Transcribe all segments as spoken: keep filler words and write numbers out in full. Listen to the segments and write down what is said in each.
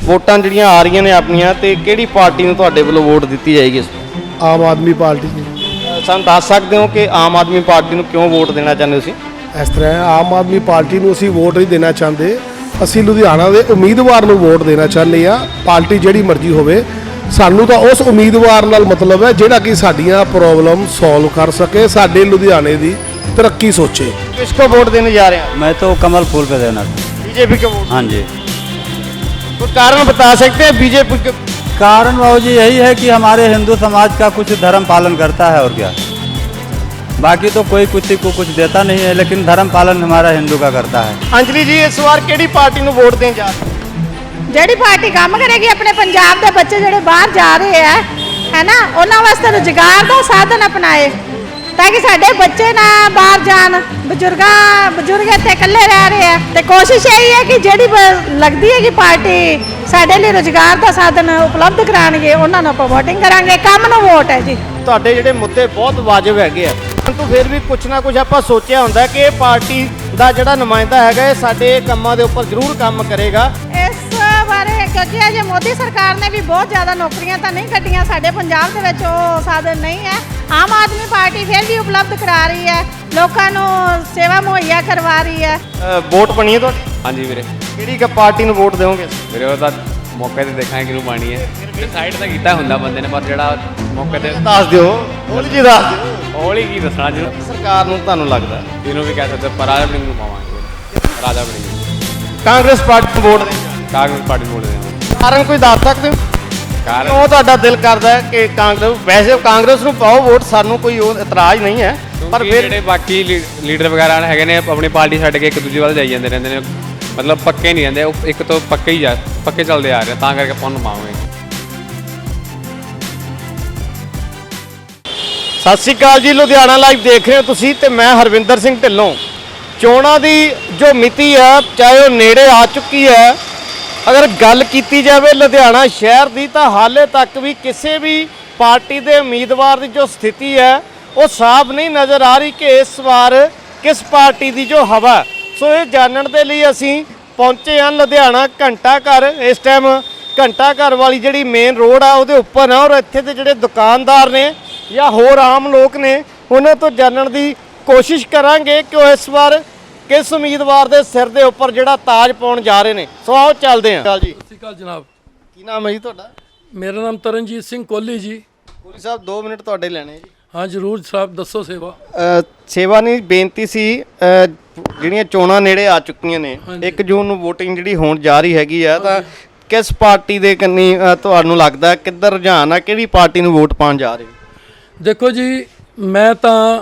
ਵੋਟਾਂ ਜਿਹੜੀਆਂ ਆ ਰਹੀਆਂ ਨੇ ਆਪਣੀਆਂ ਤੇ ਕਿਹੜੀ ਪਾਰਟੀ ਨੂੰ ਤੁਹਾਡੇ ਵੱਲੋਂ ਵੋਟ ਦਿੱਤੀ ਜਾਏਗੀ ਇਸ ਵਾਰ? ਆਮ ਆਦਮੀ ਪਾਰਟੀ ਜੀ। ਅ, ਸਾਨੂੰ ਦੱਸ ਸਕਦੇ ਹੋ ਕਿ ਆਮ ਆਦਮੀ ਪਾਰਟੀ ਨੂੰ ਕਿਉਂ ਵੋਟ ਦੇਣਾ ਚਾਹੁੰਦੇ ਹੋ ਤੁਸੀਂ? ਇਸ ਤਰ੍ਹਾਂ ਹੈ, ਆਮ ਆਦਮੀ ਪਾਰਟੀ ਨੂੰ ਅਸੀਂ ਵੋਟ ਨਹੀਂ ਦੇਣਾ ਚਾਹੁੰਦੇ, ਅਸੀਂ ਲੁਧਿਆਣਾ ਦੇ ਉਮੀਦਵਾਰ ਨੂੰ ਵੋਟ ਦੇਣਾ ਚਾਹੁੰਦੇ ਆ। ਪਾਰਟੀ ਜਿਹੜੀ ਮਰਜ਼ੀ ਹੋਵੇ, ਸਾਨੂੰ ਤਾਂ ਉਸ ਉਮੀਦਵਾਰ ਨਾਲ ਮਤਲਬ ਹੈ ਜਿਹੜਾ ਕਿ ਸਾਡੀਆਂ ਪ੍ਰੋਬਲਮ ਸੋਲਵ ਕਰ ਸਕੇ, ਸਾਡੇ ਲੁਧਿਆਣੇ ਦੀ तरक्की सोचे। किसको वोट देने जा रहे हैं? मैं तो कमल फूल पे देना था। बीजेपी को वोट? हाँ जी। कोई कारण बता सकते हैं बीजेपी के? कारण बाबू जी यही है कि हमारे हिंदू समाज का कुछ धर्म पालन करता है और क्या, बाकी तो कोई किसी को कुछ देता नहीं है, लेकिन धर्म पालन हमारा हिंदू का करता है। अंजलि जी इस बार केड़ी पार्टी ਨੂੰ ਵੋਟ ਦੇਣ ਜਾ ਰਹੇ? ਜਿਹੜੀ ਪਾਰਟੀ ਕੰਮ ਕਰੇਗੀ ਆਪਣੇ ਪੰਜਾਬ ਦੇ ਬੱਚੇ ਜਿਹੜੇ ਬਾਹਰ ਜਾ ਰਹੇ ਆ ਹੈ ਨਾ, ਉਹਨਾਂ ਵਾਸਤੇ ਰੁਜ਼ਗਾਰ ਦਾ ਸਾਧਨ ਅਪਣਾਏ ਤਾਂ ਕਿ ਸਾਡੇ ਬੱਚੇ ਨਾ ਬਾਹਰ ਜਾਣ, ਬਜ਼ੁਰਗਾਂ ਬਜ਼ੁਰਗ ਇੱਥੇ ਇਕੱਲੇ ਰਹਿ ਰਹੇ ਆ। ਤੇ ਕੋਸ਼ਿਸ਼ ਇਹੀ ਹੈ ਕਿ ਜਿਹੜੀ ਲੱਗਦੀ ਹੈ ਕਿ ਪਾਰਟੀ ਸਾਡੇ ਲਈ ਰੁਜ਼ਗਾਰ ਦਾ ਸਾਧਨ ਉਪਲਬਧ ਕਰਾਣਗੇ, ਉਹਨਾਂ ਨੂੰ ਆਪਾਂ ਵੋਟਿੰਗ ਕਰਾਂਗੇ। ਕੰਮ ਨੂੰ ਵੋਟ ਹੈ ਜੀ। ਤੁਹਾਡੇ ਜਿਹੜੇ ਮੁੱਦੇ ਬਹੁਤ ਵਾਜਬ ਹੈਗੇ ਆ, ਪਰੰਤੂ ਫਿਰ ਵੀ ਕੁਝ ਨਾ ਕੁਝ ਆਪਾਂ ਸੋਚਿਆ ਹੁੰਦਾ ਕਿ ਇਹ ਪਾਰਟੀ ਦਾ ਜਿਹੜਾ ਨੁਮਾਇੰਦਾ ਹੈਗਾ ਇਹ ਸਾਡੇ ਕੰਮਾਂ ਦੇ ਉੱਪਰ ਜ਼ਰੂਰ ਕੰਮ ਕਰੇਗਾ। ਇਸ ਬਾਰੇ ਕਿਉਂਕਿ ਅਜੇ ਮੋਦੀ ਸਰਕਾਰ ਨੇ ਵੀ ਬਹੁਤ ਜ਼ਿਆਦਾ ਨੌਕਰੀਆਂ ਤਾਂ ਨਹੀਂ ਕੱਢੀਆਂ, ਸਾਡੇ ਪੰਜਾਬ ਦੇ ਵਿੱਚ ਉਹ ਸਾਧਨ ਨਹੀਂ ਹੈ। ਆਮ ਆਦਮੀ ਪਾਰਟੀ ਫਿਰ ਵੀ ਉਪਲਬਧ ਕਰਾ ਰਹੀ ਹੈ, ਲੋਕਾਂ ਨੂੰ ਸੇਵਾ ਮੁਹੱਈਆ ਕਰਵਾ ਰਹੀ ਹੈ। ਵੋਟ ਬਣੀ ਹੈ ਤੁਹਾਡੀ? ਹਾਂਜੀ ਵੀਰੇ। ਕਿਹੜੀ ਕ ਪਾਰਟੀ ਨੂੰ ਵੋਟ ਦਿਓਗੇ? ਵੀਰੇ ਉਹ ਤਾਂ ਮੌਕੇ ਤੇ ਦੇਖਾਂਗੇ ਕਿਹਨੂੰ ਪਾਣੀ ਹੈ। ਡਿਸਾਈਡ ਤਾਂ ਕੀਤਾ ਹੁੰਦਾ ਬੰਦੇ ਨੇ, ਪਰ ਜਿਹੜਾ ਮੌਕੇ ਤੇ ਦੱਸ ਦਿਓ, ਹੌਲੀ ਜੀ ਦੱਸ ਦਿਓ। ਹੌਲੀ ਕੀ ਦੱਸਣਾ ਜੀ, ਸਰਕਾਰ ਨੂੰ ਤੁਹਾਨੂੰ ਲੱਗਦਾ? ਇਹਨੂੰ ਵੀ ਕਹਿ ਸਕਦੇ ਪਰ ਰਾਜਾ ਵੜਿੰਗ ਨੂੰ ਪਾਵਾਂਗੇ। ਰਾਜਾ ਵੜਿੰਗ। ਕਾਂਗਰਸ ਪਾਰਟੀ ਨੂੰ ਵੋਟ ਦੇਣ? ਕਾਂਗਰਸ ਪਾਰਟੀ ਨੂੰ ਵੋਟ ਦੇਵਾਂਗੇ। ਕਾਰਨ ਕੋਈ ਦੱਸ ਸਕਦੇ ਹੋ? ਕਾਰਨ ਕਿਉਂ ਤੁਹਾਡਾ ਦਿਲ ਕਰਦਾ ਹੈ ਕਿ ਕਾਂਗਰਸ? ਵੈਸੇ ਕਾਂਗਰਸ ਨੂੰ ਪਾਓ ਵੋਟ, ਸਾਨੂੰ ਕੋਈ ਉਹ ਇਤਰਾਜ਼ ਨਹੀਂ ਹੈ, ਪਰ ਫਿਰ ਜਿਹੜੇ ਬਾਕੀ ਲੀਡਰ ਵਗੈਰਾ ਹੈਗੇ ਨੇ ਆਪਣੀ ਪਾਰਟੀ ਛੱਡ ਕੇ ਇੱਕ ਦੂਜੇ ਵੱਲ ਜਾਈ ਜਾਂਦੇ ਰਹਿੰਦੇ ਨੇ, ਮਤਲਬ ਪੱਕੇ ਨਹੀਂ ਰਹਿੰਦੇ, ਉਹ ਇੱਕ ਤੋਂ ਪੱਕੇ ਹੀ ਜਾ ਪੱਕੇ ਚੱਲਦੇ ਆ ਰਹੇ, ਤਾਂ ਕਰਕੇ ਆਪਾਂ ਨੂੰ ਪਾਵਾਂਗੇ। ਸਤਿ ਸ਼੍ਰੀ ਅਕਾਲ ਜੀ, ਲੁਧਿਆਣਾ ਲਾਈਵ ਦੇਖ ਰਹੇ ਹੋ ਤੁਸੀਂ ਤੇ ਮੈਂ ਹਰਵਿੰਦਰ ਸਿੰਘ ਢਿੱਲੋਂ। ਚੋਣਾਂ ਦੀ ਜੋ ਮਿਤੀ ਹੈ ਚਾਹੇ ਉਹ ਨੇੜੇ ਆ ਚੁੱਕੀ ਹੈ, ਅਗਰ ਗੱਲ ਕੀਤੀ ਜਾਵੇ ਲੁਧਿਆਣਾ ਸ਼ਹਿਰ ਦੀ ਤਾਂ ਹਾਲੇ ਤੱਕ ਵੀ ਕਿਸੇ ਵੀ ਪਾਰਟੀ ਦੇ ਉਮੀਦਵਾਰ ਦੀ ਜੋ ਸਥਿਤੀ ਹੈ ਉਹ ਸਾਫ਼ ਨਹੀਂ ਨਜ਼ਰ ਆ ਰਹੀ ਕਿ ਇਸ ਵਾਰ ਕਿਸ ਪਾਰਟੀ ਦੀ ਜੋ ਹਵਾ। ਸੋ ਇਹ ਜਾਣਨ ਦੇ ਲਈ ਅਸੀਂ ਪਹੁੰਚੇ ਹਾਂ ਲੁਧਿਆਣਾ ਘੰਟਾ ਘਰ। ਇਸ ਟਾਈਮ ਘੰਟਾ ਘਰ ਵਾਲੀ ਜਿਹੜੀ ਮੇਨ ਰੋਡ ਆ ਉਹਦੇ ਉੱਪਰ ਆ, ਔਰ ਇੱਥੇ ਦੇ ਜਿਹੜੇ ਦੁਕਾਨਦਾਰ ਨੇ ਜਾਂ ਹੋਰ ਆਮ ਲੋਕ ਨੇ ਉਹਨਾਂ ਤੋਂ ਜਾਣਨ ਦੀ ਕੋਸ਼ਿਸ਼ ਕਰਾਂਗੇ ਕਿ ਉਹ ਇਸ ਵਾਰ ਕਿਸ ਉਮੀਦਵਾਰ ਦੇ ਸਿਰ ਦੇ ਉੱਪਰ ਜਿਹੜਾ ਤਾਜ ਪਾਉਣ ਜਾ ਰਹੇ ਨੇ। ਸੋ ਆਓ ਚੱਲਦੇ ਹਾਂ ਜੀ। ਸਤਿ ਸ਼੍ਰੀ ਅਕਾਲ ਜਨਾਬ। ਕੀ ਨਾਮ ਹੈ ਜੀ ਤੁਹਾਡਾ? ਮੇਰਾ ਨਾਮ ਤਰਨਜੀਤ ਸਿੰਘ ਕੋਹਲੀ ਜੀ। ਕੋਹਲੀ ਸਾਹਿਬ ਦੋ ਮਿੰਟ ਤੁਹਾਡੇ ਲੈਣੇ ਜੀ। ਹਾਂ ਜ਼ਰੂਰ ਸਾਹਿਬ, ਦੱਸੋ ਸੇਵਾ। ਅ, ਸੇਵਾ ਨਹੀਂ, ਬੇਨਤੀ ਸੀ। ਅ, ਜਿਹੜੀਆਂ ਚੋਣਾਂ ਨੇੜੇ ਆ ਚੁੱਕੀਆਂ ਨੇ, ਇੱਕ ਜੂਨ ਨੂੰ VOTING ਜਿਹੜੀ ਹੋਣ ਜਾ ਰਹੀ ਹੈਗੀ ਆ, ਤਾਂ ਕਿਸ ਪਾਰਟੀ ਦੇ ਕੰਨੀ ਤੁਹਾਨੂੰ ਲੱਗਦਾ ਕਿੱਧਰ ਰੁਝਾਨ ਆ, ਕਿਹੜੀ ਪਾਰਟੀ ਨੂੰ ਵੋਟ ਪਾਉਣ ਜਾ ਰਹੇ ਹੋ? ਦੇਖੋ ਜੀ, ਮੈਂ ਤਾਂ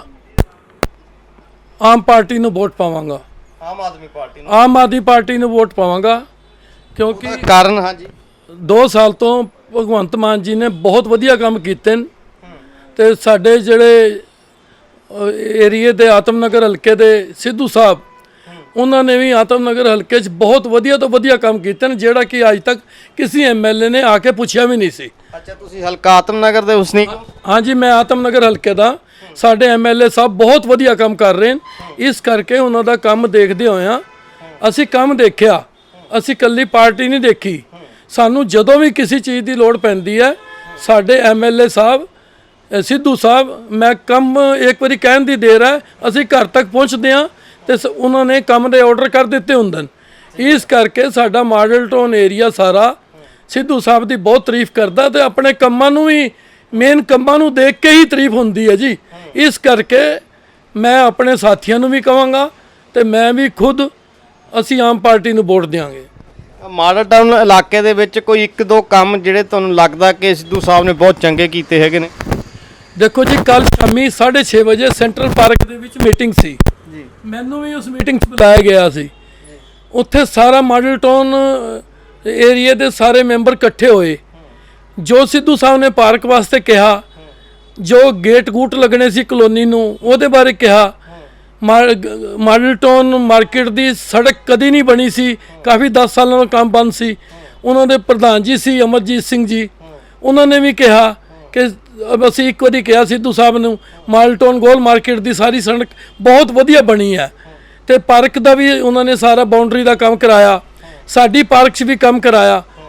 ਆਮ ਪਾਰਟੀ ਨੂੰ ਵੋਟ ਪਾਵਾਂਗਾ। ਆਮ ਆਦਮੀ ਪਾਰਟੀ ਨੂੰ? ਆਮ ਆਦਮੀ ਪਾਰਟੀ ਨੂੰ ਵੋਟ ਪਾਵਾਂਗਾ ਕਿਉਂਕਿ ਕਾਰਨ? ਹਾਂਜੀ। ਦੋ ਸਾਲ ਤੋਂ ਭਗਵੰਤ ਮਾਨ ਜੀ ਨੇ ਬਹੁਤ ਵਧੀਆ ਕੰਮ ਕੀਤੇ ਨੇ ਤੇ ਸਾਡੇ ਜਿਹੜੇ ਏਰੀਏ ਦੇ ਆਤਮਨਗਰ ਹਲਕੇ ਦੇ ਸਿੱਧੂ ਸਾਹਿਬ, ਉਹਨਾਂ ਨੇ ਵੀ ਆਤਮਨਗਰ ਹਲਕੇ 'ਚ ਬਹੁਤ ਵਧੀਆ ਤੋਂ ਵਧੀਆ ਕੰਮ ਕੀਤੇ ਨੇ, ਜਿਹੜਾ ਕਿ ਅੱਜ ਤੱਕ ਕਿਸੇ ਐਮਐਲਏ ਨੇ ਆ ਕੇ ਪੁੱਛਿਆ ਵੀ ਨਹੀਂ ਸੀ। ਅੱਛਾ, ਤੁਸੀਂ ਹਲਕਾ ਆਤਮਨਗਰ ਦੇ ਵਸਨੀਕ? ਹਾਂਜੀ, ਮੈਂ ਆਤਮਨਗਰ ਹਲਕੇ ਦਾ। ਸਾਡੇ ਐਮਐਲਏ ਸਾਹਿਬ ਬਹੁਤ ਵਧੀਆ ਕੰਮ ਕਰ ਰਹੇ ਨੇ, ਇਸ ਕਰਕੇ ਉਹਨਾਂ ਦਾ ਕੰਮ ਦੇਖਦੇ ਹੋਇਆਂ ਅਸੀਂ ਕੰਮ ਦੇਖਿਆ। ਅਸੀਂ ਇਕੱਲੀ ਪਾਰਟੀ ਨਹੀਂ ਦੇਖੀ, ਸਾਨੂੰ ਜਦੋਂ ਵੀ ਕਿਸੇ ਚੀਜ਼ ਦੀ ਲੋੜ ਪੈਂਦੀ ਹੈ ਸਾਡੇ ਐਮਐਲਏ ਸਾਹਿਬ ਸਿੱਧੂ ਸਾਹਿਬ, ਮੈਂ ਕੰਮ ਇੱਕ ਵਾਰੀ ਕਹਿਣ ਦੀ ਦੇਰ ਹੈ, ਅਸੀਂ ਘਰ ਤੱਕ ਪਹੁੰਚਦੇ ਹਾਂ ਤੇ ਉਹਨਾਂ ਨੇ ਕੰਮ ਦੇ ਆਰਡਰ ਕਰ ਦਿੱਤੇ ਹੁੰਦੇ ਨੇ। ਇਸ ਕਰਕੇ ਸਾਡਾ ਮਾਡਲ ਟਾਊਨ ਏਰੀਆ ਸਾਰਾ ਸਿੱਧੂ ਸਾਹਿਬ ਦੀ ਬਹੁਤ ਤਾਰੀਫ ਕਰਦਾ ਤੇ ਆਪਣੇ ਕੰਮਾਂ ਨੂੰ ਵੀ, ਮੇਨ ਕੰਮਾਂ ਨੂੰ ਦੇਖ ਕੇ ਹੀ ਤਾਰੀਫ ਹੁੰਦੀ ਹੈ ਜੀ। ਇਸ ਕਰਕੇ ਮੈਂ ਆਪਣੇ ਸਾਥੀਆਂ ਨੂੰ ਵੀ ਕਹਾਂਗਾ ਤੇ ਮੈਂ ਵੀ ਖੁਦ, ਅਸੀਂ ਆਮ ਪਾਰਟੀ ਨੂੰ ਵੋਟ ਦਿਆਂਗੇ। ਮਾਡਲ ਟਾਊਨ ਇਲਾਕੇ ਦੇ ਵਿੱਚ ਕੋਈ ਇੱਕ ਦੋ ਕੰਮ ਜਿਹੜੇ ਤੁਹਾਨੂੰ ਲੱਗਦਾ ਕਿ ਸਿੱਧੂ ਸਾਹਿਬ ਨੇ ਬਹੁਤ ਚੰਗੇ ਕੀਤੇ ਹੈਗੇ ਨੇ? ਦੇਖੋ ਜੀ, ਕੱਲ ਸ਼ਾਮੀ ਸਾਢੇ ਛੇ ਵਜੇ ਸੈਂਟਰਲ ਪਾਰਕ ਦੇ ਵਿੱਚ ਮੀਟਿੰਗ ਸੀ ਜੀ, ਮੈਨੂੰ ਵੀ ਉਸ ਮੀਟਿੰਗ 'ਚ ਬੁਲਾਇਆ ਗਿਆ ਸੀ। ਉੱਥੇ ਸਾਰਾ ਮਾਡਲ ਟਾਊਨ ਏਰੀਏ ਦੇ ਸਾਰੇ ਮੈਂਬਰ ਇਕੱਠੇ ਹੋਏ। ਜੋ ਸਿੱਧੂ ਸਾਹਿਬ ਨੇ ਪਾਰਕ ਵਾਸਤੇ ਕਿਹਾ, ਜੋ ਗੇਟ ਗੂਟ ਲੱਗਣੇ ਸੀ ਕਲੋਨੀ ਨੂੰ, ਉਹਦੇ ਬਾਰੇ ਕਿਹਾ। ਮਾਡਲ ਟਾਊਨ ਮਾਰਕੀਟ ਦੀ ਸੜਕ ਕਦੀ ਨਹੀਂ ਬਣੀ ਸੀ, ਕਾਫੀ ਦਸ ਸਾਲਾਂ ਦਾ ਕੰਮ ਬੰਦ ਸੀ। ਉਹਨਾਂ ਦੇ ਪ੍ਰਧਾਨ ਜੀ ਸੀ ਅਮਰਜੀਤ ਸਿੰਘ ਜੀ, ਉਹਨਾਂ ਨੇ ਵੀ ਕਿਹਾ ਕਿ ਅਸੀਂ ਇੱਕ ਵਾਰੀ ਕਿਹਾ ਸਿੱਧੂ ਸਾਹਿਬ ਨੂੰ, ਮਾਡਲ ਟਾਊਨ ਗੋਲ ਮਾਰਕੀਟ ਦੀ ਸਾਰੀ ਸੜਕ ਬਹੁਤ ਵਧੀਆ ਬਣੀ ਹੈ ਤੇ ਪਾਰਕ ਦਾ ਵੀ ਉਹਨਾਂ ਨੇ ਸਾਰਾ ਬਾਉਂਡਰੀ ਦਾ ਕੰਮ ਕਰਾਇਆ, ਸਾਡੀ ਪਾਰਕ 'ਚ ਵੀ ਕੰਮ ਕਰਾਇਆ।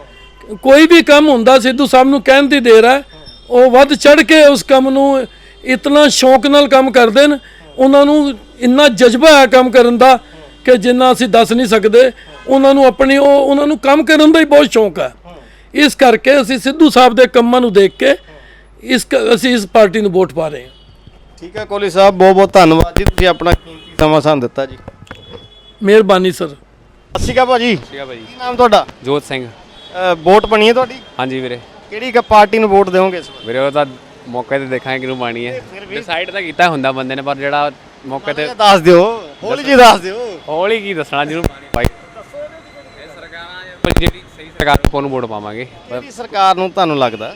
ਕੋਈ ਵੀ ਕੰਮ ਹੁੰਦਾ ਸਿੱਧੂ ਸਾਹਿਬ ਨੂੰ ਕਹਿਣ ਦੀ ਦੇਰ ਹੈ, ਉਹ ਵੱਧ ਚੜ ਕੇ ਉਸ ਕੰਮ ਨੂੰ ਇਤਨਾ ਸ਼ੌਕ ਨਾਲ ਕੰਮ ਕਰਦੇ ਨੇ। ਉਹਨਾਂ ਨੂੰ ਇੰਨਾ ਜਜ਼ਬਾ ਹੈ ਕੰਮ ਕਰਨ ਦਾ ਕਿ ਜਿੰਨਾ ਅਸੀਂ ਦੱਸ ਨਹੀਂ ਸਕਦੇ। ਉਹਨਾਂ ਨੂੰ ਆਪਣੀ ਉਹ ਉਹਨਾਂ ਨੂੰ ਕੰਮ ਕਰਨ ਦਾ ਹੀ ਬਹੁਤ ਸ਼ੌਕ ਹੈ। ਇਸ ਕਰਕੇ ਅਸੀਂ ਸਿੱਧੂ ਸਾਹਿਬ ਦੇ ਕੰਮਾਂ ਨੂੰ ਦੇਖ ਕੇ ਇਸ ਕ- ਅਸੀਂ ਇਸ ਪਾਰਟੀ ਨੂੰ ਵੋਟ ਪਾ ਰਹੇ ਹਾਂ। ਠੀਕ ਹੈ ਕੋਹਲੀ ਸਾਹਿਬ, ਬਹੁਤ ਬਹੁਤ ਧੰਨਵਾਦ ਜੀ, ਤੁਸੀਂ ਆਪਣਾ ਕੀਮਤੀ ਸਮਾਂ ਸਾਨੂੰ ਦਿੱਤਾ ਜੀ। ਮਿਹਰਬਾਨੀ ਸਰ। ਸਤਿ ਸ਼੍ਰੀ ਅਕਾਲ ਭਾਜੀ, ਠੀਕ ਆ ਭਾਈ। ਕੀ ਨਾਮ ਤੁਹਾਡਾ? ਜੋਤ ਸਿੰਘ। ਅ, ਵੋਟ ਬਣੀ ਹੈ ਤੁਹਾਡੀ? ਹਾਂਜੀ ਵੀਰੇ। ਕਿਹੜੀ ਕ ਪਾਰਟੀ ਨੂੰ ਵੋਟ ਦਿਓਗੇ ਇਸ ਵਾਰ? ਵੀਰੇ ਉਹ ਤਾਂ ਮੌਕੇ ਤੇ ਦੇਖਾਂਗੇ ਕਿਹਨੂੰ ਪਾਣੀ ਹੈ। ਡਿਸਾਈਡ ਤਾਂ ਕੀਤਾ ਹੁੰਦਾ ਬੰਦੇ ਨੇ, ਪਰ ਜਿਹੜਾ ਮੌਕੇ ਤੇ ਦੱਸ ਦਿਓ, ਹੌਲੀ ਜੀ ਦੱਸ ਦਿਓ। ਹੌਲੀ ਕੀ ਦੱਸਣਾ ਜਿਹਨੂੰ ਪਾਣੀ ਪਾਈ। ਇਹ ਸਰਕਾਰਾਂ ਜਾਂ ਜਿਹੜੀ ਸਹੀ ਸਰਕਾਰ ਨੂੰ ਉਹਨੂੰ ਵੋਟ ਪਾਵਾਂਗੇ। ਕਿਹੜੀ ਸਰਕਾਰ ਨੂੰ ਤੁਹਾਨੂੰ ਲੱਗਦਾ?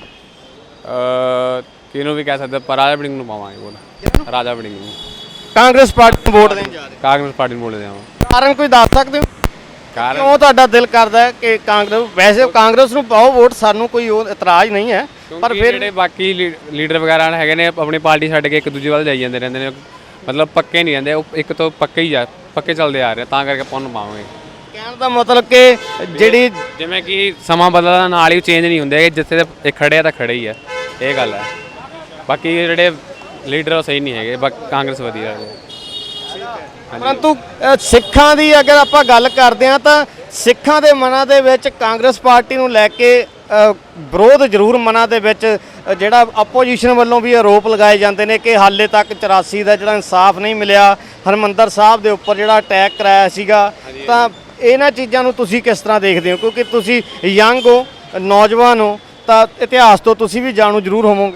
ਅ ਕਿਹਨੂੰ ਵੀ ਕਹਿ ਸਕਦੇ, ਪਰ ਰਾਜਾ ਵੜਿੰਗ ਨੂੰ ਪਾਵਾਂਗੇ ਵੋਟ। ਰਾਜਾ ਵੜਿੰਗ ਨੂੰ। ਕਾਂਗਰਸ ਪਾਰਟੀ ਨੂੰ ਵੋਟ ਦੇਣ ਜਾ ਰਹੇ ਕਾਂਗਰਸ ਪਾਰਟੀ ਨੂੰ ਵੋਟ ਦੇਵਾਂ। ਹੋ। ਕਾਰਨ ਕੋਈ ਦੱਸ ਸਕਦੇ ਹੋ? ਕਾਰਨ ਕਿਉਂ ਤੁਹਾਡਾ ਦਿਲ ਕਰਦਾ ਹੈ ਕਿ ਕਾਂਗਰਸ? ਵੈਸੇ ਕਾਂਗਰਸ ਨੂੰ ਪਾਓ ਵੋਟ, ਸਾਨੂੰ ਕੋਈ ਉਹ ਇਤਰਾਜ਼ ਨਹੀਂ ਹੈ, ਪਰ ਪਰ ਫਿਰ ਜਿਹੜੇ ਬਾਕੀ ਲੀ- ਲੀਡਰ ਵਗੈਰਾ ਹੈਗੇ ਨੇ ਆਪਣੀ ਪਾਰਟੀ ਛੱਡ ਕੇ ਇੱਕ ਦੂਜੇ ਵੱਲ ਜਾਈ ਜਾਂਦੇ ਰਹਿੰਦੇ ਨੇ, ਮਤਲਬ ਪੱਕੇ ਨਹੀਂ ਰਹਿੰਦੇ। ਉਹ ਇੱਕ ਤੋਂ ਪੱਕੇ ਹੀ ਜਾ ਪੱਕੇ ਚੱਲਦੇ ਆ ਰਹੇ, ਤਾਂ ਕਰਕੇ ਆਪਾਂ ਉਹਨੂੰ ਪਾਵਾਂਗੇ। ਕਹਿਣ ਦਾ ਮਤਲਬ ਕਿ ਜਿਹੜੀ ਜਿਵੇਂ ਕਿ ਸਮਾਂ ਬਦਲਦਾ ਨਾਲ ਹੀ ਚੇਂਜ ਨਹੀਂ ਹੁੰਦੇ, ਜਿੱਥੇ ਤੇ ਇਹ ਖੜੇ ਆ ਤਾਂ ਖੜੇ ਹੀ ਆ, ਇਹ ਗੱਲ ਹੈ। ਬਾਕੀ ਜਿਹੜੇ ਲੀਡਰ ਉਹ ਸਹੀ ਨਹੀਂ ਹੈਗੇ, ਬਾਕੀ ਕਾਂਗਰਸ ਵਧੀਆ ਹੈ। ਪਰੰਤੂ ਅ, ਸਿੱਖਾਂ ਦੀ ਅਗਰ ਆਪਾਂ ਗੱਲ ਕਰਦੇ ਹਾਂ ਤਾਂ ਸਿੱਖਾਂ ਦੇ ਮਨਾਂ ਦੇ ਵਿੱਚ ਕਾਂਗਰਸ ਪਾਰਟੀ ਨੂੰ ਲੈ ਕੇ ਅ, ਵਿਰੋਧ ਜ਼ਰੂਰ ਮਨਾਂ ਦੇ ਵਿੱਚ ਅ, ਜਿਹੜਾ ਆਪੋਜੀਸ਼ਨ ਵੱਲੋਂ ਵੀ ਆਰੋਪ ਲਗਾਏ ਜਾਂਦੇ ਨੇ ਕਿ ਹਾਲੇ ਤੱਕ ਚੁਰਾਸੀ ਦਾ ਜਿਹੜਾ ਇਨਸਾਫ ਨਹੀਂ ਮਿਲਿਆ, ਹਰਮੰਦਰ ਸਾਹਿਬ ਦੇ ਉੱਪਰ ਜਿਹੜਾ ਅਟੈਕ ਕਰਾਇਆ ਸੀਗਾ। ਤਾਂ ਇਹਨਾਂ ਚੀਜ਼ਾਂ ਨੂੰ ਤੁਸੀਂ ਕਿਸ ਤਰ੍ਹਾਂ ਦੇਖਦੇ ਹੋ? ਕਿਉਂਕਿ ਤੁਸੀਂ ਯੰਗ ਹੋ, ਨੌਜਵਾਨ ਹੋ, ਤਾਂ ਇਤਿਹਾਸ ਤੋਂ ਤੁਸੀਂ ਵੀ ਜਾਣੂ ਜ਼ਰੂਰ ਹੋਵੋਗੇ।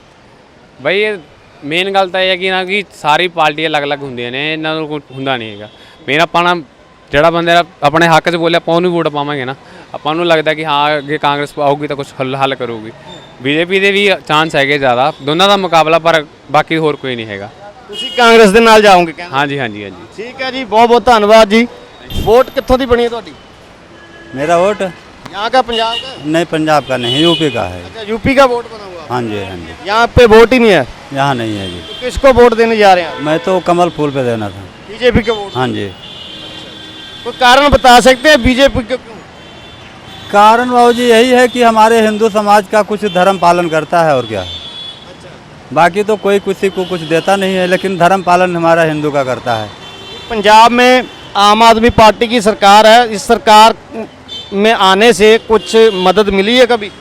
ਬਈ ਇਹ ਮੇਨ ਗੱਲ ਤਾਂ ਇਹ ਹੈ ਕਿ ਨਾ ਕਿ ਸਾਰੀ ਪਾਰਟੀਆਂ ਅਲੱਗ-ਅਲੱਗ ਹੁੰਦੀਆਂ ਨੇ, ਇਹਨਾਂ ਨੂੰ ਕੋਈ ਹੁੰਦਾ ਨਹੀਂ ਹੈਗਾ। ਮੇਨ ਆਪਾਂ ਨਾ ਜਿਹੜਾ ਬੰਦੇ ਦਾ ਆਪਣੇ ਹੱਕ 'ਚ ਬੋਲੇ ਆਪਾਂ ਉਹਨੂੰ ਵੋਟ ਪਾਵਾਂਗੇ ਨਾ। ਆਪਾਂ ਨੂੰ ਲੱਗਦਾ ਕਿ ਹਾਂ ਅੱਗੇ ਕਾਂਗਰਸ ਆਊਗੀ ਤਾਂ ਕੁਝ ਹੱਲ ਹੱਲ ਕਰੂਗੀ। ਬੀਜੇਪੀ ਦੇ ਵੀ ਚਾਂਸ ਹੈਗੇ ਜ਼ਿਆਦਾ, ਦੋਨਾਂ ਦਾ ਮੁਕਾਬਲਾ, ਪਰ ਬਾਕੀ ਹੋਰ ਕੋਈ ਨਹੀਂ ਹੈਗਾ। ਤੁਸੀਂ ਕਾਂਗਰਸ ਦੇ ਨਾਲ ਜਾਓਗੇ ਕਹਿੰਦੇ? ਹਾਂਜੀ ਹਾਂਜੀ ਹਾਂਜੀ। ਠੀਕ ਹੈ ਜੀ, ਬਹੁਤ ਬਹੁਤ ਧੰਨਵਾਦ ਜੀ। ਵੋਟ ਕਿੱਥੋਂ ਦੀ ਬਣੀ ਹੈ ਤੁਹਾਡੀ? मेरा वोट यहाँ का, पंजाब का? नहीं, पंजाब का नहीं, यूपी का है। अच्छा, यूपी का वोट बना हुआ? हाँ जी, हाँ जी। यहाँ पे वोट ही नहीं है, यहाँ नहीं है जी। तो किसको वोट देने जा रहे हैं? मैं तो कमल फूल पे देना था। बीजेपी के वोट? हाँ जी। कोई कारण बता सकते हैं बीजेपी के क्यों? कारण बाबू जी यही है कि हमारे हिंदू समाज का कुछ धर्म पालन करता है, और क्या। बाकी तो कोई किसी को कुछ देता नहीं है, लेकिन धर्म पालन हमारा हिंदू का करता है। पंजाब में आम आदमी पार्टी की सरकार है, इस सरकार में आने से कुछ मदद मिली है कभी?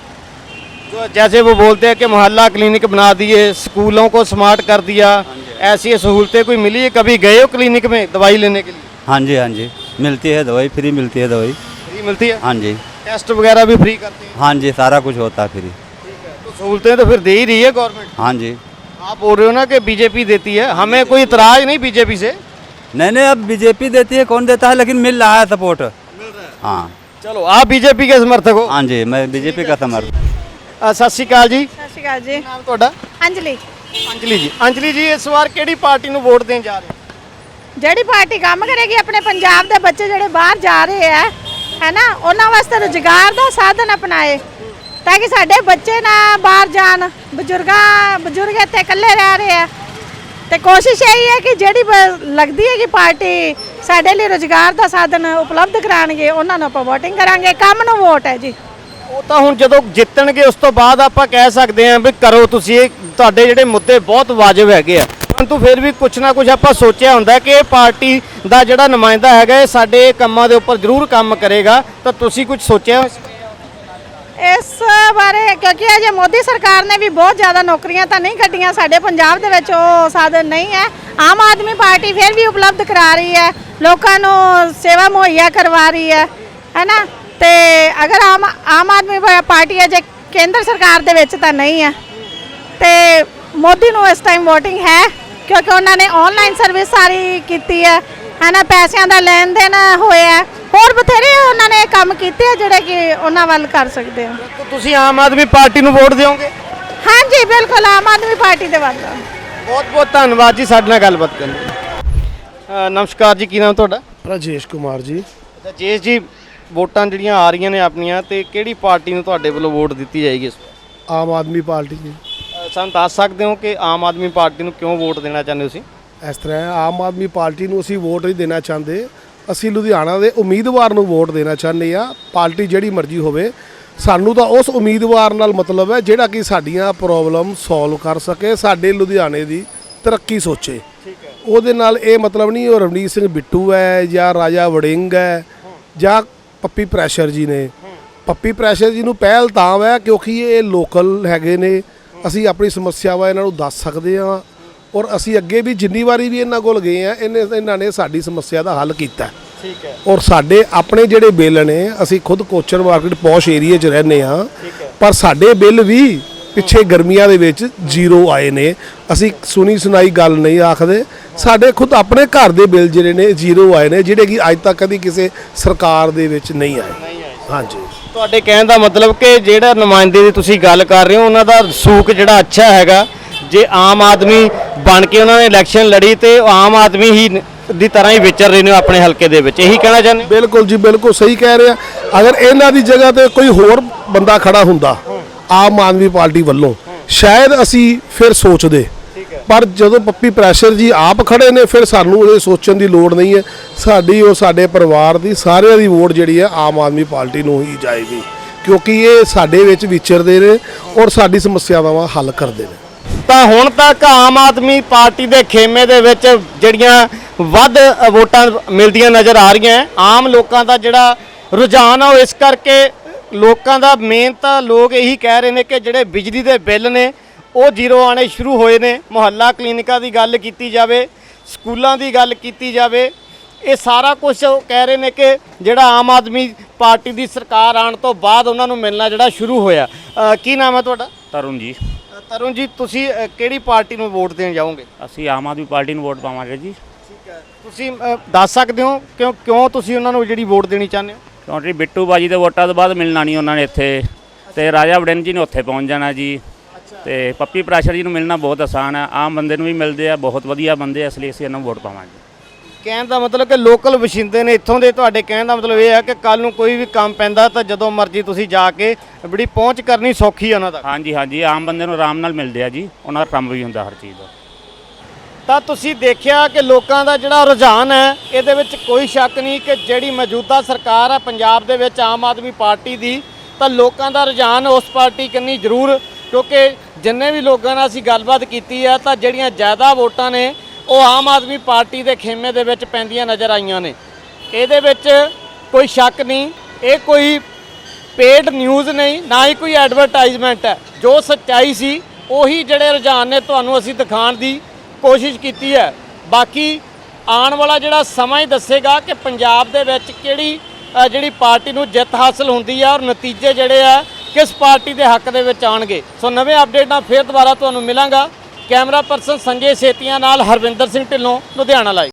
जो जैसे वो बोलते हैं कि मोहल्ला क्लिनिक बना दिए, स्कूलों को स्मार्ट कर दिया, ऐसी सहूलतें कोई मिली है? कभी गए हो क्लिनिक में दवाई लेने के लिए? हाँ जी, हाँ जी, मिलती है दवाई, फ्री मिलती है दवाई। फ्री मिलती है? हाँ जी। टेस्ट वगैरह भी फ्री करते हैं? हाँ जी, सारा कुछ होता है फ्री। तो सहूलतें तो फिर दे ही रही है गवर्नमेंट। हाँ जी। आप बोल रहे हो ना कि बीजेपी देती है, हमें कोई इतराज नहीं बीजेपी से। नहीं नहीं, अब बीजेपी देती है, कौन देता है, लेकिन मिल रहा है सपोर्ट। मिल रहा है। हाँ। चलो, आप बीजेपी के समर्थक हो? हाँ जी, मैं बीजेपी का समर्थक। ਅ, ਸਤਿ ਸ਼੍ਰੀ ਅਕਾਲ ਜੀ। ਸਤਿ ਸ਼੍ਰੀ ਅਕਾਲ ਜੀ। ਨਾਮ ਤੁਹਾਡਾ? ਅੰਜਲੀ। ਅੰਜਲੀ ਜੀ। ਅੰਜਲੀ ਜੀ, ਇਸ ਵਾਰ ਕਿਹੜੀ ਪਾਰਟੀ ਨੂੰ ਵੋਟ ਦੇਣ ਜਾ ਰਹੇ ਹੋ? ਜਿਹੜੀ ਪਾਰਟੀ ਕੰਮ ਕਰੇਗੀ ਆਪਣੇ ਪੰਜਾਬ ਦੇ ਬੱਚੇ ਜਿਹੜੇ ਬਾਹਰ ਜਾ ਰਹੇ ਆ ਹੈ ਨਾ, ਉਹਨਾਂ ਵਾਸਤੇ ਰੁਜ਼ਗਾਰ ਦਾ ਸਾਧਨ ਅਪਣਾਏ, ਤਾਂ ਕਿ ਸਾਡੇ ਬੱਚੇ ਨਾ ਬਾਹਰ ਜਾਣ। ਬਜ਼ੁਰਗਾਂ ਬਜ਼ੁਰਗ ਇੱਥੇ ਇਕੱਲੇ ਰਹਿ ਰਹੇ ਆ, ਤੇ ਕੋਸ਼ਿਸ਼ ਇਹੀ ਹੈ ਕਿ ਜਿਹੜੀ ਬ- ਲੱਗਦੀ ਹੈ ਕਿ ਪਾਰਟੀ ਸਾਡੇ ਲਈ ਰੁਜ਼ਗਾਰ ਦਾ ਸਾਧਨ ਉਪਲਬਧ ਕਰਾਉਣਗੇ, ਉਹਨਾਂ ਨੂੰ ਆਪਾਂ ਵੋਟਿੰਗ ਕਰਾਂਗੇ। ਕੰਮ ਨੂੰ ਵੋਟ ਹੈ ਜੀ। ਉਹ ਤਾਂ ਹੁਣ ਜਦੋਂ ਜਿੱਤਣਗੇ ਉਸ ਤੋਂ ਬਾਅਦ ਆਪਾਂ ਕਹਿ ਸਕਦੇ ਹਾਂ ਵੀ ਕਰੋ ਤੁਸੀਂ, ਇਹ ਤੁਹਾਡੇ ਜਿਹੜੇ ਮੁੱਦੇ ਬਹੁਤ ਵਾਜਬ ਹੈਗੇ ਆ, ਪਰੰਤੂ ਫਿਰ ਵੀ ਕੁਛ ਨਾ ਕੁਛ ਆਪਾਂ ਸੋਚਿਆ ਹੁੰਦਾ ਕਿ ਇਹ ਪਾਰਟੀ ਦਾ ਜਿਹੜਾ ਨੁਮਾਇੰਦਾ ਹੈਗਾ ਇਹ ਸਾਡੇ ਕੰਮਾਂ ਦੇ ਉੱਪਰ ਜ਼ਰੂਰ ਕੰਮ ਕਰੇਗਾ। ਤਾਂ ਤੁਸੀਂ ਕੁਝ ਸੋਚਿਆ ਹੋਇਆ? ਇਸ ਬਾਰੇ ਕਿਉਂਕਿ ਅਜੇ ਮੋਦੀ ਸਰਕਾਰ ਨੇ ਵੀ ਬਹੁਤ ਜ਼ਿਆਦਾ ਨੌਕਰੀਆਂ ਤਾਂ ਨਹੀਂ ਕੱਢੀਆਂ, ਸਾਡੇ ਪੰਜਾਬ ਦੇ ਵਿੱਚ ਉਹ ਸਾਧਨ ਨਹੀਂ ਹੈ। ਆਮ ਆਦਮੀ ਪਾਰਟੀ ਫਿਰ ਵੀ ਉਪਲਬਧ ਕਰਾ ਰਹੀ ਹੈ, ਲੋਕਾਂ ਨੂੰ ਸੇਵਾ ਮੁਹੱਈਆ ਕਰਵਾ ਰਹੀ ਹੈ ਹੈ ਨਾ। ਤੇ ਅਗਰ ਆਮ ਆਮ ਆਦਮੀ ਪਾ- ਪਾਰਟੀ ਅਜੇ ਕੇਂਦਰ ਸਰਕਾਰ ਦੇ ਵਿੱਚ ਤਾਂ ਨਹੀਂ ਹੈ, ਤੇ ਮੋਦੀ ਨੂੰ ਇਸ ਟਾਈਮ VOTING ਹੈ, ਕਿਉਂਕਿ ਉਹਨਾਂ ਨੇ ਆਨਲਾਈਨ ਸਰਵਿਸ ਸਾਰੀ ਕੀਤੀ ਹੈ ਹੈ ਨਾ, ਪੈਸਿਆਂ ਦਾ ਲੈਣ ਦੇਣ ਹੋਇਆ, ਹੋਰ ਬਥੇਰੇ ਉਹਨਾਂ ਨੇ ਕੰਮ ਕੀਤੇ ਆ ਜਿਹੜੇ ਕਿ ਉਹਨਾਂ ਵੱਲ ਕਰ ਸਕਦੇ ਆ। ਤਾਂ ਤੁਸੀਂ ਆਮ ਆਦਮੀ ਪਾਰਟੀ ਨੂੰ ਵੋਟ ਦਿਓਗੇ? ਹਾਂਜੀ ਬਿਲਕੁਲ, ਆਮ ਆਦਮੀ ਪਾਰਟੀ ਦੇ ਵੱਲ। ਬਹੁਤ ਬਹੁਤ ਧੰਨਵਾਦ ਜੀ ਸਾਡੇ ਨਾਲ ਗੱਲਬਾਤ ਕਰਨ ਲਈ। ਨਮਸਕਾਰ ਜੀ, ਕੀ ਨਾਮ ਤੁਹਾਡਾ? ਰਾਜੇਸ਼ ਕੁਮਾਰ ਜੀ। ਅੱਛਾ ਜੇਸ਼ ਜੀ, ਵੋਟਾਂ ਜਿਹੜੀਆਂ ਆ ਰਹੀਆਂ ਨੇ ਆਪਣੀਆਂ, ਤੇ ਕਿਹੜੀ ਪਾਰਟੀ ਨੂੰ ਤੁਹਾਡੇ ਵੱਲੋਂ ਵੋਟ ਦਿੱਤੀ ਜਾਏਗੀ ਇਸ ਵਾਰ? ਆਮ ਆਦਮੀ ਪਾਰਟੀ ਜੀ। ਅ, ਸਾਨੂੰ ਦੱਸ ਸਕਦੇ ਹੋ ਕਿ ਆਮ ਆਦਮੀ ਪਾਰਟੀ ਨੂੰ ਕਿਉਂ ਵੋਟ ਦੇਣਾ ਚਾਹੁੰਦੇ ਹੋ ਤੁਸੀਂ? ਇਸ ਤਰ੍ਹਾਂ ਹੈ, ਆਮ ਆਦਮੀ ਪਾਰਟੀ ਨੂੰ ਅਸੀਂ ਵੋਟ ਨਹੀਂ ਦੇਣਾ ਚਾਹੁੰਦੇ, ਅਸੀਂ ਲੁਧਿਆਣਾ ਦੇ ਉਮੀਦਵਾਰ ਨੂੰ ਵੋਟ ਦੇਣਾ ਚਾਹੁੰਦੇ ਆ। ਪਾਰਟੀ ਜਿਹੜੀ ਮਰਜ਼ੀ ਹੋਵੇ, ਸਾਨੂੰ ਤਾਂ ਉਸ ਉਮੀਦਵਾਰ ਨਾਲ ਮਤਲਬ ਹੈ ਜਿਹੜਾ ਕਿ ਸਾਡੀਆਂ ਪ੍ਰੋਬਲਮ ਸੋਲਵ ਕਰ ਸਕੇ, ਸਾਡੇ ਲੁਧਿਆਣੇ ਦੀ ਤਰੱਕੀ ਸੋਚੇ। ਉਹਦੇ ਨਾਲ ਇਹ ਮਤਲਬ ਨਹੀਂ ਉਹ ਰਵਨੀਤ ਸਿੰਘ ਬਿੱਟੂ ਹੈ ਜਾਂ ਰਾਜਾ ਵੜਿੰਗ ਹੈ ਜਾਂ ਪੱਪੀ ਪ੍ਰੈਸ਼ਰ ਜੀ ਨੇ। ਪੱਪੀ ਪ੍ਰੈਸ਼ਰ ਜੀ ਨੂੰ ਪਹਿਲ ਤਾਂ ਹੈ ਕਿਉਂਕਿ ਇਹ ਲੋਕਲ ਹੈਗੇ ਨੇ, ਅਸੀਂ ਆਪਣੀ ਸਮੱਸਿਆਵਾਂ ਇਹਨਾਂ ਨੂੰ ਦੱਸ ਸਕਦੇ ਹਾਂ ਔਰ ਅਸੀਂ ਅੱਗੇ ਵੀ ਜਿੰਨੀ ਵਾਰੀ ਵੀ ਇਹਨਾਂ ਕੋਲ ਗਏ ਆ ਇਹਨੇ ਇਹਨਾਂ ਨੇ ਸਾਡੀ ਸਮੱਸਿਆ ਦਾ ਹੱਲ ਕੀਤਾ। ਠੀਕ ਹੈ। ਔਰ ਸਾਡੇ ਆਪਣੇ ਜਿਹੜੇ ਬਿੱਲ ਨੇ, ਅਸੀਂ ਖੁਦ ਕੋਚਰ ਮਾਰਕੀਟ ਪੌਸ਼ ਏਰੀਏ 'ਚ ਰਹਿੰਦੇ ਆ, ਪਰ ਸਾਡੇ ਬਿੱਲ ਵੀ ਪਿੱਛੇ ਗਰਮੀਆਂ ਦੇ ਵਿੱਚ ਜ਼ੀਰੋ ਆਏ ਨੇ। ਅਸੀਂ ਸੁਣੀ ਸੁਣਾਈ ਗੱਲ ਨਹੀਂ ਆਖਦੇ, ਸਾਡੇ ਖੁਦ ਆਪਣੇ ਘਰ ਦੇ ਬਿੱਲ ਜਿਹੜੇ ਨੇ ਜ਼ੀਰੋ ਆਏ ਨੇ, ਜਿਹੜੇ ਕਿ ਅੱਜ ਤੱਕ ਕਦੀ ਕਿਸੇ ਸਰਕਾਰ ਦੇ ਵਿੱਚ ਨਹੀਂ ਆਏ। ਹਾਂਜੀ, ਤੁਹਾਡੇ ਕਹਿਣ ਦਾ ਮਤਲਬ ਕਿ ਜਿਹੜਾ ਨੁਮਾਇੰਦੇ ਦੀ ਤੁਸੀਂ ਗੱਲ ਕਰ ਰਹੇ ਹੋ ਉਹਨਾਂ ਦਾ ਸੂਕ ਜਿਹੜਾ ਅੱਛਾ ਹੈਗਾ। ਜੇ ਆਮ ਆਦਮੀ ਬਣ ਕੇ ਉਹਨਾਂ ਨੇ ਇਲੈਕਸ਼ਨ ਲੜੀ ਤੇ ਉਹ ਆਮ ਆਦਮੀ ਹੀ ਦੀ ਤਰ੍ਹਾਂ ਹੀ ਵਿਚਰ ਰਹੇ ਨੇ ਆਪਣੇ ਹਲਕੇ ਦੇ ਵਿੱਚ, ਇਹੀ ਕਹਿਣਾ ਚਾਹੁੰਦੇ ਹੋ? ਬਿਲਕੁਲ ਜੀ, ਬਿਲਕੁਲ ਸਹੀ ਕਹਿ ਰਹੇ ਆ। ਅਗਰ ਇਹਨਾਂ ਦੀ ਜਗ੍ਹਾ ਤੇ ਕੋਈ ਹੋਰ ਬੰਦਾ ਖੜਾ ਹੁੰਦਾ ਆਮ ਆਦਮੀ ਪਾਰਟੀ ਵੱਲੋਂ, ਸ਼ਾਇਦ ਅਸੀਂ ਫਿਰ ਸੋਚਦੇ, ਪਰ ਜਦੋਂ ਪੱਪੀ ਪ੍ਰੈਸ਼ਰ ਜੀ ਆਪ ਖੜੇ ਨੇ ਫਿਰ ਸਾਨੂੰ ਇਹ ਸੋਚਣ ਦੀ ਲੋੜ ਨਹੀਂ ਹੈ। ਸਾਡੀ ਉਹ ਸਾਡੇ ਪਰਿਵਾਰ ਦੀ ਸਾਰਿਆਂ ਦੀ ਵੋਟ ਜਿਹੜੀ ਹੈ ਆਮ ਆਦਮੀ ਪਾਰਟੀ ਨੂੰ ਹੀ ਜਾਏਗੀ, ਕਿਉਂਕਿ ਇਹ ਸਾਡੇ ਵਿੱਚ ਵਿਚਰਦੇ ਨੇ ਔਰ ਸਾਡੀ ਸਮੱਸਿਆਵਾਂ ਦਾ ਹੱਲ ਕਰਦੇ ਨੇ। ਤਾਂ ਹੁਣ ਤੱਕ ਆਮ ਆਦਮੀ ਪਾਰਟੀ ਦੇ ਖੇਮੇ ਦੇ ਵਿੱਚ ਜਿਹੜੀਆਂ ਵੱਧ ਵੋਟਾਂ ਮਿਲਦੀਆਂ ਨਜ਼ਰ ਆ ਰਹੀਆਂ। ਆਮ ਲੋਕਾਂ ਦਾ ਜਿਹੜਾ ਰੁਝਾਨ ਆ ਉਹ ਇਸ ਕਰਕੇ ਲੋਕਾਂ ਦਾ ਮੇਨ ਤਾਂ ਲੋਕ ਇਹੀ ਕਹਿ ਰਹੇ ਨੇ ਕਿ ਜਿਹੜੇ ਬਿਜਲੀ ਦੇ ਬਿੱਲ ਨੇ ਉਹ ਜ਼ੀਰੋ ਆਣੇ ਸ਼ੁਰੂ ਹੋਏ ਨੇ। ਮੁਹੱਲਾ ਕਲੀਨਿਕਾਂ ਦੀ ਗੱਲ ਕੀਤੀ ਜਾਵੇ, ਸਕੂਲਾਂ ਦੀ ਗੱਲ ਕੀਤੀ ਜਾਵੇ, ਇਹ ਸਾਰਾ ਕੁਝ ਕਹਿ ਰਹੇ ਨੇ ਕਿ ਜਿਹੜਾ ਆਮ ਆਦਮੀ ਪਾਰਟੀ ਦੀ ਸਰਕਾਰ ਆਉਣ ਤੋਂ ਬਾਅਦ ਉਹਨਾਂ ਨੂੰ ਮਿਲਣਾ ਜਿਹੜਾ ਸ਼ੁਰੂ ਹੋਇਆ। ਅ, ਕੀ ਨਾਮ ਹੈ ਤੁਹਾਡਾ? ਤਰੁਣ ਜੀ। ਅ, ਤਰੁਣ ਜੀ, ਤੁਸੀਂ ਅ, ਕਿਹੜੀ ਪਾਰਟੀ ਨੂੰ ਵੋਟ ਦੇਣ ਜਾਓਗੇ? ਅਸੀਂ ਆਮ ਆਦਮੀ ਪਾਰਟੀ ਨੂੰ ਵੋਟ ਪਾਵਾਂਗੇ ਜੀ। ਠੀਕ ਹੈ। ਤੁਸੀਂ ਅ, ਦੱਸ ਸਕਦੇ ਹੋ ਕਿਉਂ ਕਿਉਂ ਤੁਸੀਂ ਉਹਨਾਂ ਨੂੰ ਜਿਹੜੀ ਵੋਟ ਦੇਣੀ ਚਾਹੁੰਦੇ ਹੋ? ਕਿਉਂਕਿ ਬਿੱਟੂ ਬਾਜੀ ਦੇ ਵੋਟਾਂ ਤੋਂ ਬਾਅਦ ਮਿਲਣਾ ਨਹੀਂ ਉਹਨਾਂ ਨੇ ਇੱਥੇ, ਤੇ ਰਾਜਾ ਵੜਿੰਗ ਜੀ ਨੇ ਉੱਥੇ ਪਹੁੰਚ ਜਾਣਾ ਜੀ, ਤੇ ਪੱਪੀ ਪ੍ਰੈਸ਼ਰ ਜੀ ਨੂੰ ਮਿਲਣਾ ਬਹੁਤ ਆਸਾਨ ਹੈ। ਆਮ ਬੰਦੇ ਨੂੰ ਵੀ ਮਿਲਦੇ ਆ, ਬਹੁਤ ਵਧੀਆ ਬੰਦੇ, ਇਸ ਲਈ ਅਸੀਂ ਇਹਨਾਂ ਨੂੰ ਵੋਟ ਪਾਵਾਂਗੇ। ਕਹਿਣ ਦਾ ਮਤਲਬ ਕਿ ਲੋਕਲ ਵਸਿੰਦੇ ਨੇ ਇੱਥੋਂ ਦੇ। ਤੁਹਾਡੇ ਕਹਿਣ ਦਾ ਮਤਲਬ ਇਹ ਹੈ ਕਿ ਕੱਲ ਨੂੰ ਕੋਈ ਵੀ ਕੰਮ ਪੈਂਦਾ ਤਾਂ ਜਦੋਂ ਮਰਜ਼ੀ ਤੁਸੀਂ ਜਾ ਕੇ ਬੜੀ ਪਹੁੰਚ ਕਰਨੀ ਸੌਖੀ ਹੈ ਉਹਨਾਂ ਦਾ। ਹਾਂਜੀ ਹਾਂਜੀ, ਆਮ ਬੰਦੇ ਨੂੰ ਆਰਾਮ ਨਾਲ ਮਿਲਦੇ ਆ ਜੀ, ਉਹਨਾਂ ਦਾ ਕੰਮ ਵੀ ਹੁੰਦਾ ਹਰ ਚੀਜ਼ ਦਾ। ਤਾਂ ਤੁਸੀਂ ਦੇਖਿਆ ਕਿ ਲੋਕਾਂ ਦਾ ਜਿਹੜਾ ਰੁਝਾਨ ਹੈ ਇਹਦੇ ਵਿੱਚ ਕੋਈ ਸ਼ੱਕ ਨਹੀਂ ਕਿ ਜਿਹੜੀ ਮੌਜੂਦਾ ਸਰਕਾਰ ਹੈ ਪੰਜਾਬ ਦੇ ਵਿੱਚ ਆਮ ਆਦਮੀ ਪਾਰਟੀ ਦੀ, ਤਾਂ ਲੋਕਾਂ ਦਾ ਰੁਝਾਨ ਉਸ ਪਾਰਟੀ ਕੰਨੀ ਜ਼ਰੂਰ, ਕਿਉਂਕਿ ਜਿੰਨੇ ਵੀ ਲੋਕਾਂ ਨਾਲ ਅਸੀਂ ਗੱਲਬਾਤ ਕੀਤੀ ਹੈ ਤਾਂ ਜਿਹੜੀਆਂ ਜ਼ਿਆਦਾ ਵੋਟਾਂ ਨੇ ਉਹ ਆਮ ਆਦਮੀ ਪਾਰਟੀ ਦੇ ਖੇਮੇ ਦੇ ਵਿੱਚ ਪੈਂਦੀਆਂ ਨਜ਼ਰ ਆਈਆਂ ਨੇ। ਇਹਦੇ ਵਿੱਚ ਕੋਈ ਸ਼ੱਕ ਨਹੀਂ, ਇਹ ਕੋਈ ਪੇਡ ਨਿਊਜ਼ ਨਹੀਂ, ਨਾ ਹੀ ਕੋਈ ਐਡਵਰਟਾਈਜ਼ਮੈਂਟ ਹੈ। ਜੋ ਸੱਚਾਈ ਸੀ ਉਹੀ ਜਿਹੜੇ ਰੁਝਾਨ ਨੇ ਤੁਹਾਨੂੰ ਅਸੀਂ ਦਿਖਾਉਣ ਦੀ ਕੋਸ਼ਿਸ਼ ਕੀਤੀ ਹੈ। ਬਾਕੀ ਆਉਣ ਵਾਲਾ ਜਿਹੜਾ ਸਮਾਂ ਹੀ ਦੱਸੇਗਾ ਕਿ ਪੰਜਾਬ ਦੇ ਵਿੱਚ ਕਿਹੜੀ ਅ, ਜਿਹੜੀ ਪਾਰਟੀ ਨੂੰ ਜਿੱਤ ਹਾਸਲ ਹੁੰਦੀ ਹੈ ਔਰ ਨਤੀਜੇ ਜਿਹੜੇ ਆ ਕਿਸ ਪਾਰਟੀ ਦੇ ਹੱਕ ਦੇ ਵਿੱਚ ਆਉਣਗੇ। ਸੋ ਨਵੇਂ ਅਪਡੇਟ ਨਾਲ ਫਿਰ ਦੁਬਾਰਾ ਤੁਹਾਨੂੰ ਮਿਲਾਂਗਾ। ਕੈਮਰਾ ਪਰਸਨ ਸੰਜੇ ਸੇਤੀਆਂ ਨਾਲ ਹਰਵਿੰਦਰ ਸਿੰਘ ਢਿੱਲੋਂ, ਲੁਧਿਆਣਾ ਲਾਈਵ।